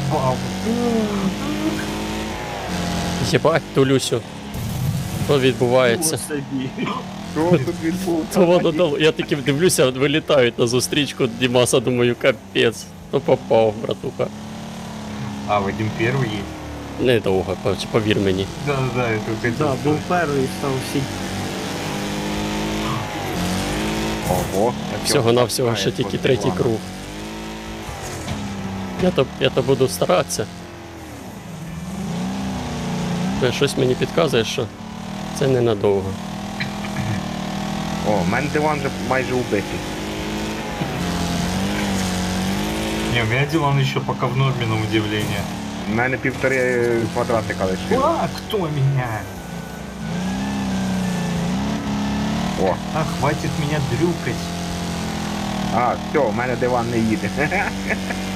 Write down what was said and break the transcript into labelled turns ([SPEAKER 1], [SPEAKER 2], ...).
[SPEAKER 1] Вау.
[SPEAKER 2] Єбать, Тулюсю. Що відбувається?
[SPEAKER 1] Собі.
[SPEAKER 3] Що тут відбувся?
[SPEAKER 2] То воно дало. Я таки дивлюся, вилітають на зустрічку Дімаса, думаю, капець. То попав, братуха.
[SPEAKER 1] А, Вадим перший є?
[SPEAKER 2] Недовго, повір мені.
[SPEAKER 1] Да, это хотел
[SPEAKER 4] Да, був
[SPEAKER 1] сказать.
[SPEAKER 4] перший, став всі.
[SPEAKER 3] Ого.
[SPEAKER 2] Всього-навсього ще тільки третій круг. Я то буду старатися. Щось мені підказує, що це ненадовго.
[SPEAKER 3] О, в мене диван вже майже убитий.
[SPEAKER 1] Не, у меня Дилан еще пока в норме, на удивление.
[SPEAKER 3] У мене 1,5 квадратика лишилось.
[SPEAKER 1] А, кто меня?
[SPEAKER 3] О,
[SPEAKER 1] А, хватит меня дрюкать.
[SPEAKER 3] все, у мене диван не їде.